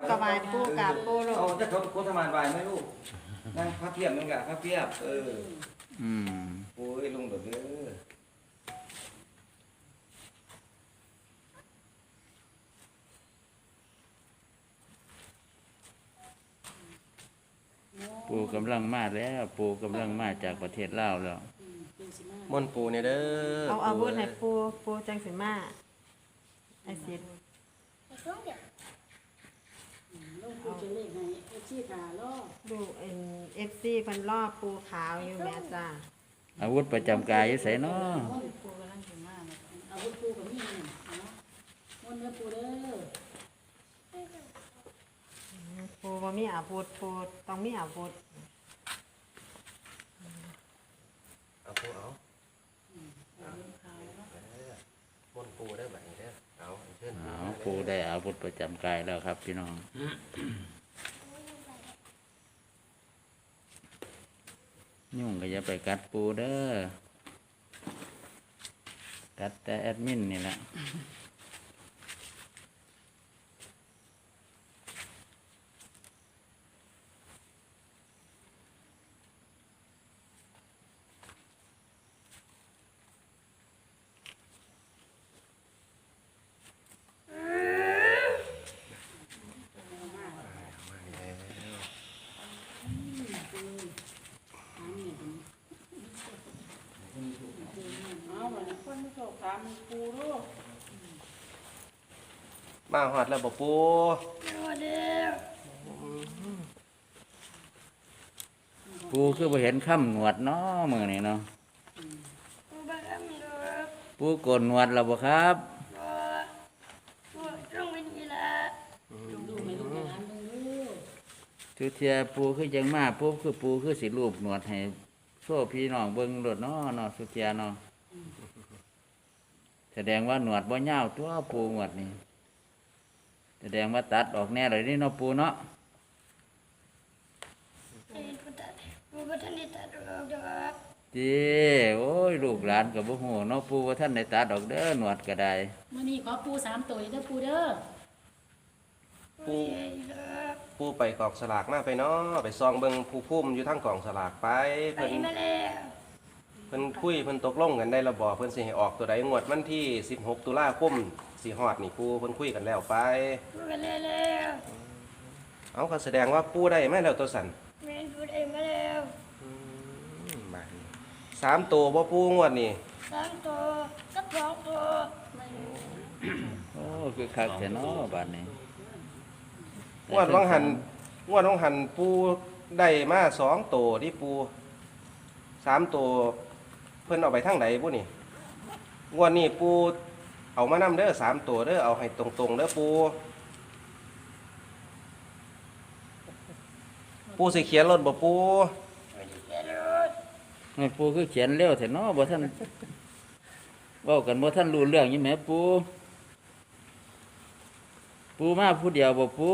กบายปูกับปูลูเอากจะเขาโคตรมานบายไหมลูกนั่งพระเพียบนึงกะพระเพียบอืมโอ้ยลุงเด้อปูกำลังมาแล้ว ปูกำลังมาจากประเทศลาวแล้วมนปูเนี่ยเด้อเอาอาวุธให้ปูจังสิมาไอซิดลูกปูจะเล่นให้ไอ้ชี้ขาล่อดูFC เพิ่นล่อปูขาวอยู่แม่จ้าอาวุธประจำกายอยู่ไสเนาะปูกำลังถึงมาเอาวุธปูกับนี่เนาะมนเนื้อปูเด้อปูบ่มีอาวุธปูต้องมีอาวุธเอาปูเอามนปูได้แบบนี้เด้อเอาเชิญเอาปูได้อาวุธประจำกายแล้วครับพี่น้องยุ่งก็อย่าไปกัดปูเด้อกัดแต่แอดมินนี่แหละเอาวันนี้คนไม่โชคถามปูลูกมาหอดแล้วบ่ปูปูคือบ่เห็นค่ำหนวดเนาะมื้อนี้เนาะปูโกนหนวดแล้วบ่ครับดูไม่ลูกในร้านดูลูกทุเทียปูคือจังมาปูคือสิรูปหนวดให้โซ่พี่น้องเบิ่งโลดเนาะเนาะสุเทียเนาะแสดงว่าหนวดบ่ยาวตัวปูหนวดนี่แสดงว่าตัดออกแน่เลยนี่เนาะปูเนาะจีโอ้ยลูกหลานก็บ่ฮู้เนาะปูว่าท่านได้ตัดออกเด้อหนวดก็ได้มื่อนี้ขอปู3ตัวเด้อปูเด้อปูไปกองสลากมาไปเนาะไปซองเบิ่งผู้พุ่มอยู่ทั้งกองสลากไปเพิ่นคุยเพิ่นตกลงกันได้ระบอเพิ่นสิให้ออกตัวใดงวดวันที่16ตุลาคมสิฮอดนี่ปูเพิ่นคุยกันแล้วไปเอาก็แสดงว่าปูได้มาแล้วตัวสั่นบาดนี้3ตัวบ่ปูงวดนี่โอ้คือคักแท้เนาะบัดนี้งวดวังหันปูได้มา2ตัวที่ปู3ตัวเพิ่นเอาไปทางไหนปูนี่งวดนี้ปูเอามานำเด้อ3ตัวเด้อเอาให้ตรงๆเด้อปูสิเขียนรถบ่ปูแม่ปูคือเขียนเร็วแท้เนาะบ่ท่านเว้ากันบ่ท่านรู้เรื่องอยู่แหมปูปูมาผู้เดียวบ่ปู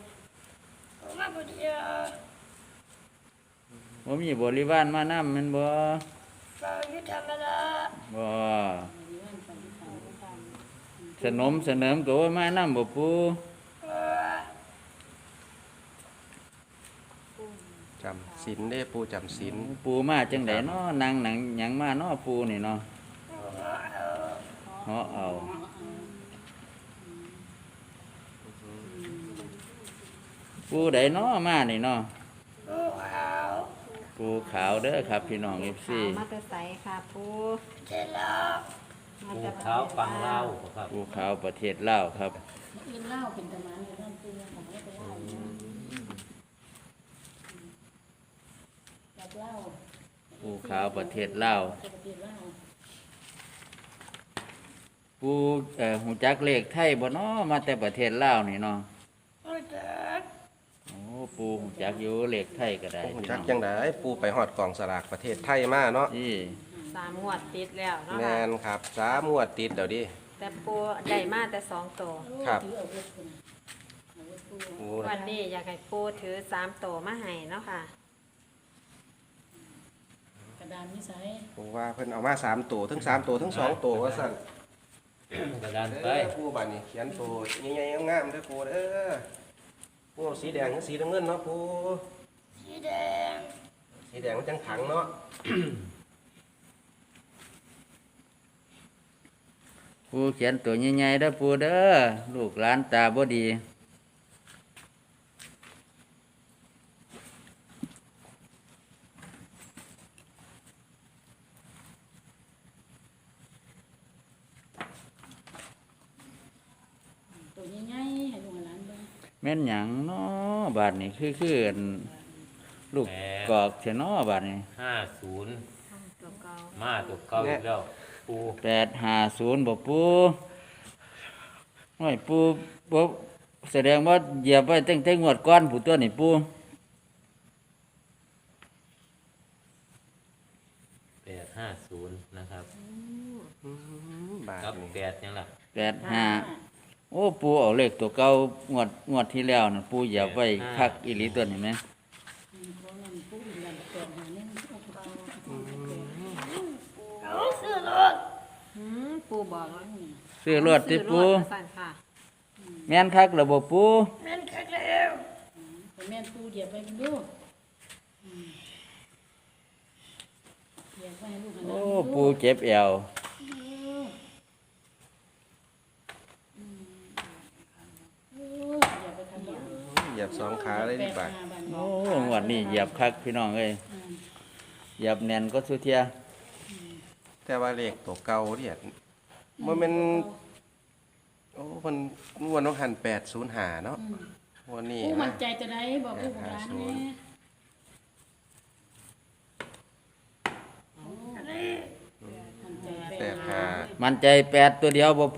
บ่มีบริวารมานำแม่นบ่บ่สนมเสนิมก็ว่ามานำบ่ปูจำศีลเด้อปูจำศีลปูมาจังไดเนาะนางหนังหยังมาเนาะปูนี่เนาะเหาะเอาปูใดเนาะมานี่เนาะปูขาวเด้อครับพี่น้อง FC มาแต่ใสค่ะปูมาภูแต่เขาฟังเล่าครับปูขาวประเทศลาวครับกินเหล้าเป็นตะมันอยู่นั่นปูของไม่ไปเหล้าจับเหล้าปูขาวประเทศลาวปกติเหล้าปูหูจักเลขไทยบ่เนาะมาแต่ประเทศลาวนี่เนาะโอ้ปูหูจักอยู่เลขไทยก็ได้ผมพี่จัน้กองจังไดปูไปฮอดกองสลากประเทศไทยมาเนาะนี่ 3งวดติดแล้วเนาะแม่ค่ะนครับ3งวดติดเดี๋ยวดิแต่ปูได้มาแต่2ตัวครับถือเอาวุธนะเอาวุธปูปูวันนี้อยากให้ปูถือ3ตัวมาให้เนาะค่ะกระดานนิสัยปูว่าเพิ่นเอามา3ตัวทั้ง3ตัวทั้ง2ตัวว่าซั่นกระดานไปเด้อปูบัดนี้เขียนตัวใหญ่ๆงามๆเด้อปูเด้อปูเอาสีแดงกับสีน้ำเงินเนาะปูสีแดงสีแดงมันจังขังเนาะปูเขียนตัวใหญ่ๆเด้อปูเด้อลูกหลานตาบ่ดีตัวใหญ่ๆให้ลูกให้หลานเบิ่งแม่นหยังเนาะบาดนี้คืออันลูกกอกเสียเนาะบาดนี้ 50 ตัวเก่ามาตัวเก่าอีกแล้วปู 850บ่ปูโอ้ยปูบ่แสดงว่าเหยียบไว้ตั้งแต่งวดก่อนผู้ตัวนี่ปู 850นะครับบาทกับนี่ 8ยังล่ะ 85โอ้ปูเอาเลขตัวเก่างวดที่แล้วน่ะปูเหยียบไว้คักอีหลีตัวนี้แหมเพราะงั้นผู้อื่นกันแปดหาเนี่ยมันเอาตัวเก่าปูบอกว่าซื้อรถติปูซื้อรถมาสั่นค่ะแม่นคักแล้วบ่ปูแต่แม่นปูเหยียบไปมันดูเหยียบไปให้ลูกให้หลานโอ้ดูปูเจ็บแอวอย่าไปทำอย่างเหยียบสองขาเลยดิบาทโอ้งวดนี้เหยียบคักพี่น้องเอ้ยเหยียบแน่นก็สุเทียแต่ว่าเลขตัวเก่าเนี่ยมันเป็นโอ้มันงวดต้องหัน805เนาะวันนี้ผู้มั่นะนใจจะได้บอกลูกหลานแม่มั่นใจ 85 มันใจ8ตัวเดียวบ่ปู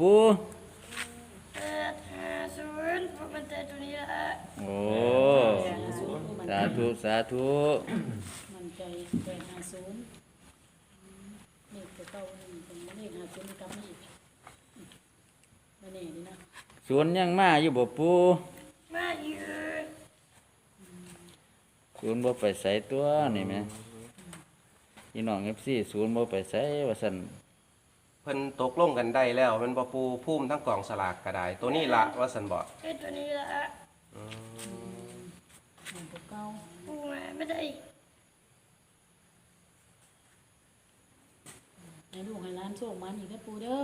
850ผมมันใจตัวนี้ละโอ้สาธุสาธุมั่นใจ850เลขตัวเก่านี่เป็นเลข50กลับมาอีกมาแน่นี่นะสวนยังมาอยู่บ่ปูมาอยู่สวนบ่ไปไสตัวนี่แหมพี่น้อง FC สวนบ่ไปไสว่าซั่นเพิ่นตกลงกันได้แล้วมันบ่ปูพุ่มทั้งกล่องสลากก็ได้ ตัวนี้ละว่าสันบ่แค่ตัวนี้ละเลขตัวเก่าปูมาไม่ได้ให้ลูกให้หลานโชคมันอีกนะปูเด้อ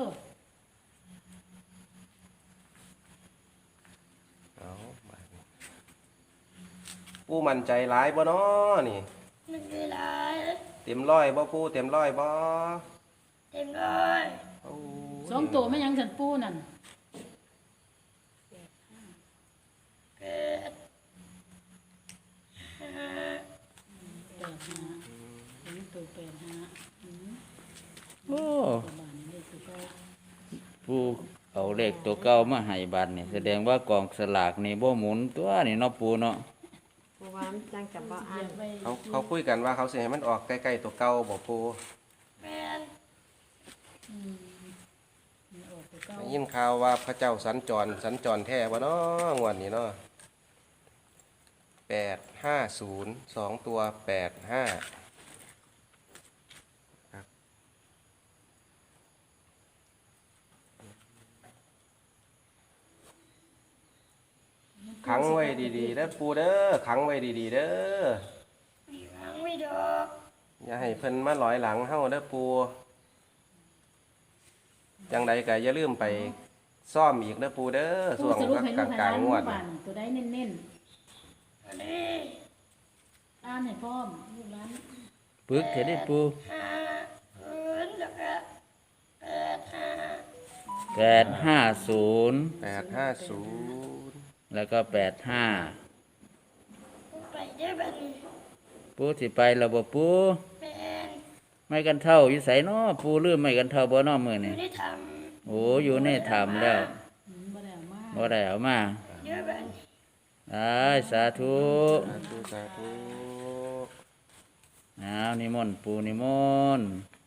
เอาบาดนี้ปูมั่นใจหลายบ่น้อนี่ไม่ได้หลายเต็มร้อยบ่ปูเต็มร้อยบ่เต็มร้อยโอ้สองตัวแม่ยังฉันปูนั่น 8 5 85เป็นตัว85 โอ้ตัวบ้านนี่เลขตัวเก่าปูเอาเลขตัวเก่ามาให้บัดนี่แสดงว่ากองสลากนี่บ่หมุนตัวนี่เนาะปูเนาะปูว่ามันจังกับบ่เหอ่ายียนบไปเขาคุยกันว่าเขาสิให้มันออกใกล้ๆตัวเก่าบ่ปูแม่นนี่ออกตัวเก่าได้ยินข่าวว่าพระเจ้าสัญจรแท้บ่น้องวดนี้เนาะ850 2ตัว85ครับขังไว้ดีๆเด้อปูเด้อขังไว้ดีๆเด้อมีหวังไม่ดอกอย่าให้เพิ่นมาลอยหลังเฮาเด้อปูจังใดก็อย่าลืมไปซ่อมอีกเด้อปูเด้อปูช่วงสรุปให้ลูกให้หกลาลางนๆงวดบ้านตัวใดเน้นอันนี้ๆอ่านให้พร้อมลูกหลานปึกเถิดเด้ปู 50แล้วก็85 850 850 แล้วก็85 ไปได้บัดนี้ปูสิไปแล้วบ่ปูแม่นไม่กันเท่าอยู่ไสเนาะปูลืมไม่กันเท่าบ่เนาะมื้อไม่นี้ได้ทโอ้อยู่ในถ้ำแล้วบ่ได้เอามาบ่ได้เอามาำเยอะบัดนี้อ้ายสาธุสาธุอ้าวนิมนต์ปูนิมนต์